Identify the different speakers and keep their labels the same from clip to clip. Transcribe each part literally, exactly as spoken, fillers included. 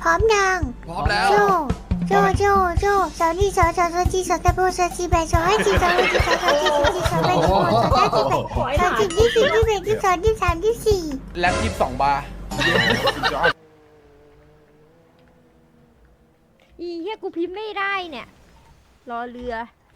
Speaker 1: ร้อมยัง
Speaker 2: พร้อมแล้ว
Speaker 1: โจโจโจโจสาวนี่สาวสาวสาวจีสาวตะโบสาวจีแบสาวให้จีสาวให้จีสาวสาวจีสาวจีสาวแบสาวสาวจีแบสาวจีที่สี่ที่แบที่สองที่สามที่สี่
Speaker 2: แล็บยี่สิบสองบาร์
Speaker 3: อีเหี้ยกูพิมพ์ไม่ได้เนี่ยรอเรือ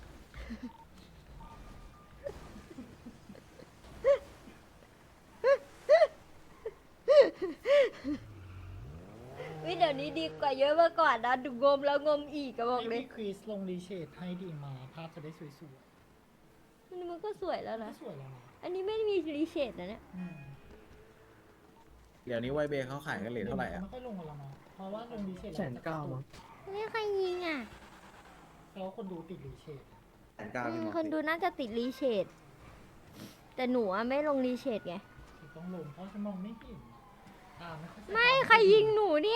Speaker 3: วิเดี๋ยวนี้ดีกว่าเยอะเมื่อก่อนนะดูงมแล้วงมอีกก็บอกเลย
Speaker 4: พี่คริสลงรีเชดให้ดีมาภาพจะได้สวย
Speaker 3: อันนี้มันก็สวยแล้ว
Speaker 4: ๆ
Speaker 3: นะ
Speaker 4: สวยแล้วนะ
Speaker 3: อันนี้ไม่มีรีเชดนะเนี่ย
Speaker 4: อืม
Speaker 5: เดี๋ยวนี้ไวเบย์เขาขายกันเหรียญเท่าไหร่อ่ะ
Speaker 4: ไม่ค่อยลงกันแล้วเนาะเพราะว่าลงรีเชด
Speaker 6: แสนเก้ามั้ง
Speaker 3: ไม่ใครยิงอ่ะ
Speaker 4: แล้วคนดูติดรีเชด
Speaker 5: แสนเก้า
Speaker 3: อื
Speaker 5: พี่
Speaker 3: ม
Speaker 5: มอส
Speaker 3: คนดูน่าจะติดรีเชดแต่หนูอะไม่ลงรีเชดไง
Speaker 4: คือต้องลงเพราะฉันมองไม่เห็นตาไม่ค่อย
Speaker 3: ไม่ใครยิงหนูเนี่ย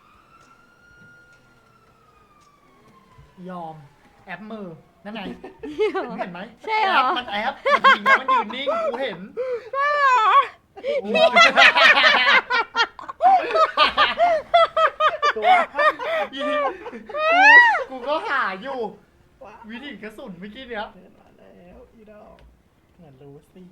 Speaker 4: ยอมแอปมือนั่นไงมึงเห็นไหม
Speaker 3: ใช่เหรอ
Speaker 4: แปมันแอปมันยิงแล้วมันยืนนิ่งกูเห็น
Speaker 3: ใช่เหรอ
Speaker 4: ตัวยิงกูกูก็หาอยู่ วิธีกระสุนเมื่อกี้เนี้ยมาแล้วอีดอกเหมือนรู้สิ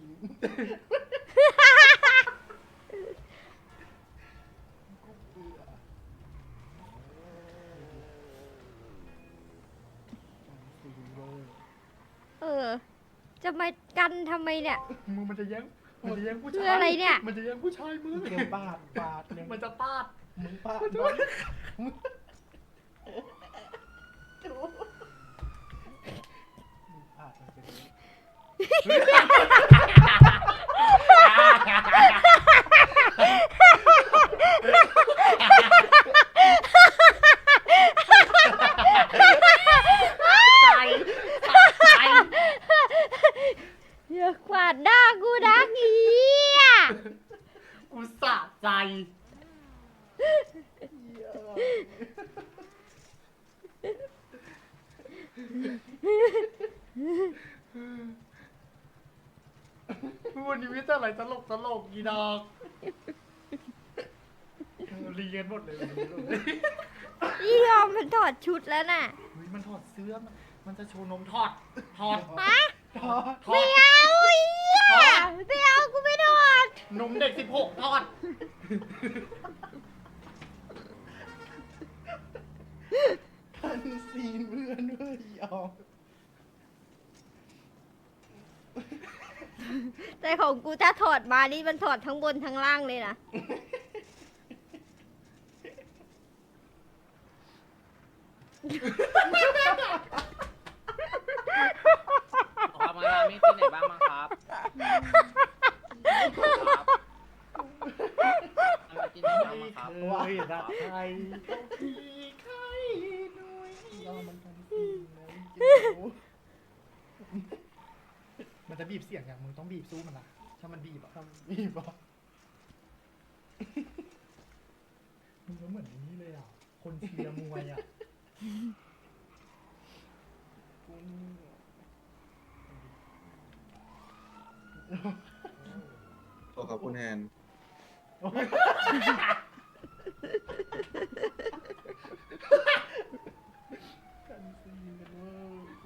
Speaker 3: เออ จะมากันทำไมเนี่ย
Speaker 4: มึงมันจะแย่งมันจะแย่งผู้
Speaker 3: คื
Speaker 4: ชาย
Speaker 3: ออะไรเนี่ย
Speaker 4: มันจะแย่งผู้ชายมึง
Speaker 6: เกี่ยวปาดปาดเลย
Speaker 4: มันจะปาด
Speaker 6: มึงปาด
Speaker 4: มันจะ
Speaker 6: มัน ปาดมันเป็น
Speaker 4: ใจใจ
Speaker 3: อย่ากวาดหน้ากูนะเฮีย
Speaker 4: กูสะใจวันนี้มีแต่อะไรตลกตลกอีดอกเรียนหมดเลยวันนี้เลย
Speaker 3: อียอมมันถอดชุดแล้วน่ะ
Speaker 4: เฮ้ยมันถอดเสื้อมันมันจะโชว์นมถอดถอด
Speaker 3: ฮะ
Speaker 4: ถอดถอ
Speaker 3: ไม่
Speaker 4: ด
Speaker 3: เอาเฮียไม่เอากูไม่ถอด
Speaker 4: นมเด็กสิบหกถอด
Speaker 6: ทันซีนเพื่อนเว้ยยอม
Speaker 3: แต่ของกูถ้าถอดมานี่มันถอดทั้งบนทั้งล่างเลยนะ
Speaker 7: ครับงานมีที่ไหนบ้างมั้งครับครับที่ไหนบ้างมั้งครับ
Speaker 4: เคยรักใครที่ใครด้วย
Speaker 6: ยอมมันทันซีนนะจริง
Speaker 4: มันจะบีบเสียงอย่างมึงต้องบีบสู้มันนะถ้ามันบีบอะ
Speaker 6: ๆทำบีบอ่ะ
Speaker 4: มึงก็เหมือนนี้เลยอ่ะคนเชียร์มวยอ่ะ
Speaker 6: กูนี่
Speaker 5: โอ้ขอบคุณแฮน
Speaker 6: ทันซีนกันเว้ยกู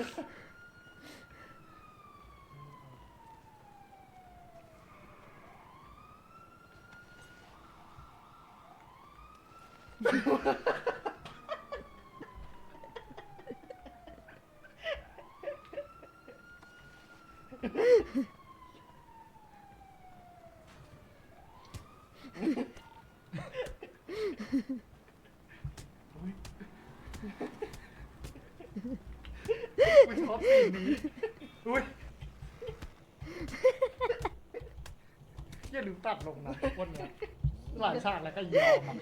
Speaker 4: กูชอบสีนนี้อุ้ยอย่าลืมตัดลงนะวันเนี้ยหลายฉากแล้วก็ยอมอ่ะ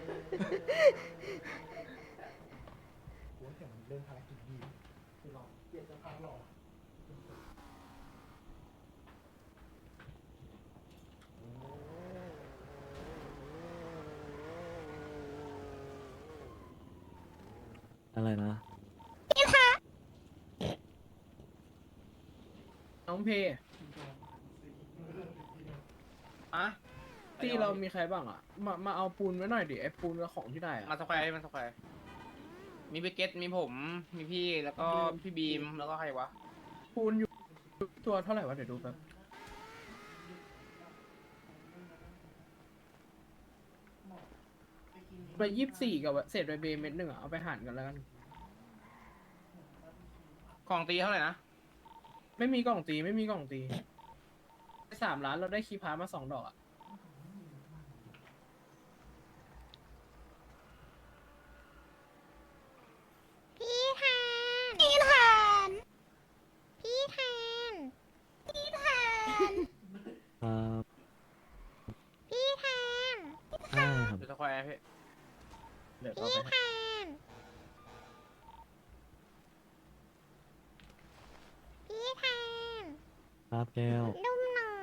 Speaker 4: โอ้ยเดี๋ยวมันเริ่มภารกิจดีคือรอเปลี่ยนจะพักรอ
Speaker 6: อะไรนะ
Speaker 7: น้องเพอะไป
Speaker 6: ตีเรามีใครบ้างอ่ะ มา มาเอาปูนไว้หน่อยดิไอ้ปูนกับของที่ได้อ่ะ
Speaker 7: มาสแควร์มาสแควร์มีพี่เกตมีผม มีพี่แล้วก็พี่บีมแล้วก็ใครวะ
Speaker 6: ปูนอยู่ตัวเท่าไหร่วะเดี๋ยวดูแป๊บไปยี่สิบสี่กับเศษใบเบย์เม็ดหนึ่งอ่ะเอาไปหั่นกันแล้วกัน
Speaker 7: ของตีเท่าไหร่นะ
Speaker 6: ไม่มีกล่องตีไม่มีกล่องตีสามล้านเราได้คีย์พาร์ทมาสองดอกอ่ะ
Speaker 1: พี่แทนพี่แทนพี่แทนพี่แทน
Speaker 2: ครับ
Speaker 1: พี่แทน
Speaker 2: ได้ครับ
Speaker 7: อยู่สแควร์พี่
Speaker 5: เดี๋ยวก็
Speaker 1: พี่
Speaker 5: ไป
Speaker 1: แทนพี่แทน
Speaker 2: ครับแก้ว
Speaker 1: นุ่มหน่อย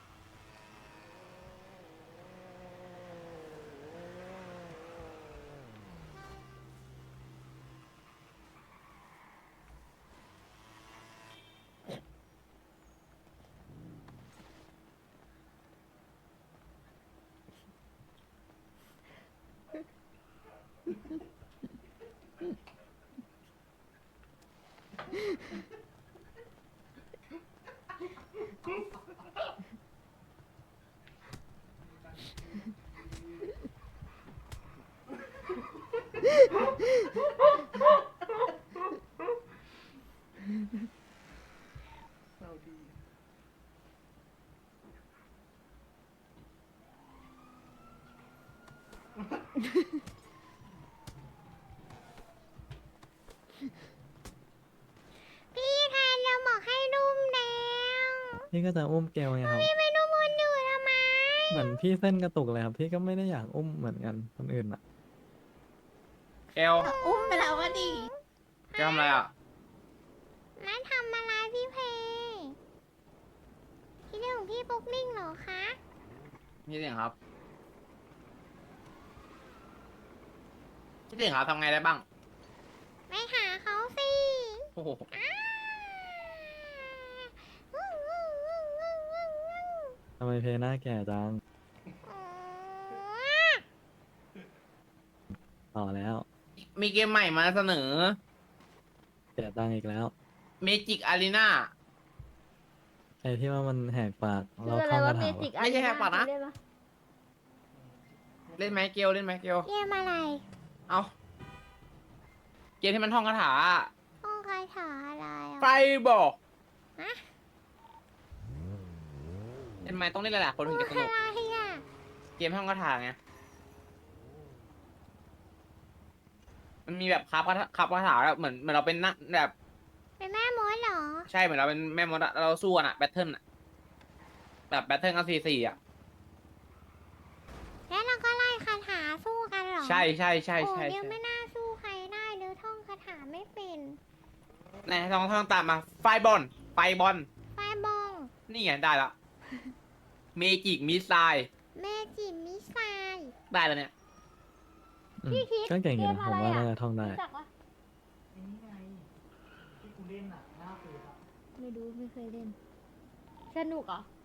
Speaker 6: เราดี
Speaker 1: พี่แทนเราบอกให้นุ่มแล้ว
Speaker 2: พี่ก็จะอุ้มแก้วไงครับ
Speaker 1: พี่ไม่นุ่มคนอื่นทำไม
Speaker 2: เหมือนพี่เส้นกระตุกเลยครับ พี่ก็ไม่ได้อยากอุ้มเหมือนกันคนอื่นอ่ะ
Speaker 7: เกล
Speaker 1: อุ้มไปแล้วก็ดี
Speaker 7: เกลทำอะไรอ่ะ
Speaker 1: มาทำอะไรพี่เพย์คิดถึงพี่ปุ๊กนิ่งเหรอคะ
Speaker 7: นี่เสียงครับพี่เสียงครับทำไงได้บ้าง
Speaker 1: ไปหาเขาสิ
Speaker 7: โอ้โห
Speaker 1: อ้าอู้อู้อู้อู้อู้อู้
Speaker 2: ทำไมเพหน้าแก่จัง ต่อแล้ว
Speaker 7: มีเกมใหม่มาเสนอ
Speaker 2: เสียตังค์อีกแล้ว
Speaker 7: เมจิกอารีนา
Speaker 2: ไอ้ที่ว่ามันแหกปาก
Speaker 3: คื
Speaker 2: เรา
Speaker 3: ออะไร
Speaker 2: ท่อง
Speaker 3: วะ
Speaker 2: คา
Speaker 3: เม
Speaker 2: ถา
Speaker 3: จิก
Speaker 2: วะ
Speaker 7: ไม่ใช่แค่ปะนะ
Speaker 3: เล่นปะ
Speaker 7: เล่นไหมเกลเล่นไหมเกล
Speaker 1: เกมอะไร
Speaker 7: เอาเกมที่มันท่องคาถาอะ
Speaker 1: ห้องคาถาอะไร
Speaker 7: ไฟ
Speaker 1: อ่ะ
Speaker 7: บอก
Speaker 1: ฮะ
Speaker 7: เล่นไหมต้องเล่นหลายๆคนถึงจะส
Speaker 1: อะ
Speaker 7: นุก
Speaker 1: ไรอ่ะ
Speaker 7: เกมท่องคาถาไงมันมีแบบคับคาถาคับคาถาแบบเหมือนเหมือนเราเป็นนักแบบ
Speaker 1: เป็นแม่มดเหรอ
Speaker 7: ใช่เหมือนเราเป็นแม่มดอะเราสู้กันอะแบทเทิลอะแบบแบทเทิลกันสี่สี่อะ
Speaker 1: แล้วเราก็ไล่คาถาสู้กันเหรอ
Speaker 7: ใช่ใช่ใช่
Speaker 1: โอ้
Speaker 7: ใช่
Speaker 1: เดี๋ยว
Speaker 7: ใช่
Speaker 1: ไม่น่าสู้ใครได้เดี๋ยวท่องคาถาไม่เป็น
Speaker 7: ไหนท่องท่องตามมาไฟบอลไฟบอล
Speaker 1: ไฟบอง
Speaker 7: นี่ไงได้ละเมจิกมิสไซล์
Speaker 1: เมจิมิสไซล์
Speaker 7: ได้แล้วเนี่ย
Speaker 2: อืมก็เก่งอยู่นะผมว่าน่าจะท่องได้
Speaker 3: รู้จักปะ
Speaker 4: ไอ้นี่ไงที่กูเล่นอ่ะหน้าเฟซอ่ะ
Speaker 3: ไม่รู้ไม่เคยเล่น สนุกเหรอ